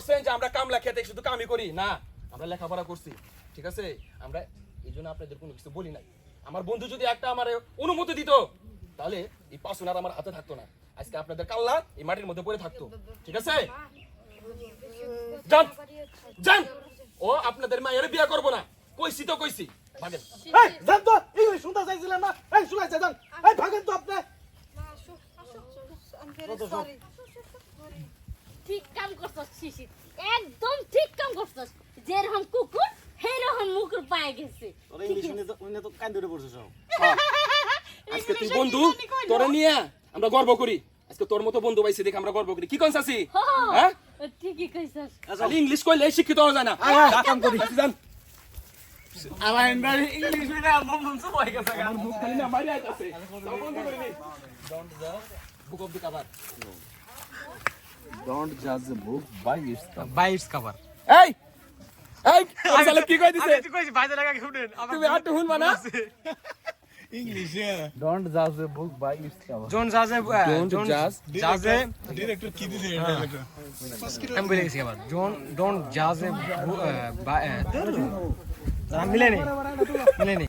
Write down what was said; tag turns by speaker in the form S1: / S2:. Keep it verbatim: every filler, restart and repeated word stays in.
S1: করছেন যে আমরা কামলা খেতে শুধু কামই করি না, আমরা লেখাপড়া করছি, ঠিক আছে? আমরা এই জন্য আপনাদের কোনো কিছু বলি নাই। আমার বন্ধু যদি একটা আমার অনুমতি দিত তাহলে এই পাঁচশো আর আমার হাতে থাকতো না, আজকে আপনাদের কাল্লা এই মাটির মধ্যে পড়ে থাকতো, ঠিক আছে? যান যান, ও আপনাদের মায়ের বিয়ে করবো না, কইছি তো কইছি, ভাগেন।
S2: এই যান তো, ইংলিশ শুনতে চাইছিলেন না, এই শুনাইছে যান, এই ভাগেন তো আপনি।
S3: ঠিক কাম করছস শিশির, একদম ঠিক কাম করছস। যেরকম কুকুর সেরকম মুকুর পায়ে গেছে।
S2: তোরা ইংলিশ শুনে তো উনি তো কান ধরে পড়ছে সব।
S1: আজকে তুই বন্ধু তোরে নিয়ে আমরা গর্ব করি, আজকে তোর মতো বন্ধু পাইছি দেখে আমরা গর্ব করি। কি কোন চাচি? হ্যাঁ
S3: ঠিকই কইছস।
S1: খালি ইংলিশ কইলে শিক্ষিত হওয়া যায় না। কাম করি যান।
S2: আমার এন্ডারি ইংলিশ শুনে আমার মন সব হয়ে গেছে।
S1: আমার মুখ খালি না মারি আইতাছে। তাও বন্ধ করে নি। ডোন্ট জাজ book of the cover.
S4: Don't judge a book by its cover.
S2: By its cover.
S1: এই এই আসলে কি কই দিছে?
S2: তুই কইছিস বাইরে লাগা শুনেন।
S1: তুমি আটু হুনবা না?
S2: ইংলিশে
S4: Don't judge a book by its cover.
S2: জন জাজে
S1: Don't judge.
S2: জাজে
S5: ডিরেক্টর কি দিছে এটা লেখা
S2: আমি বলে গেছি আবার জন ডোন্ট জাজে মিলে নেই মিলে নেই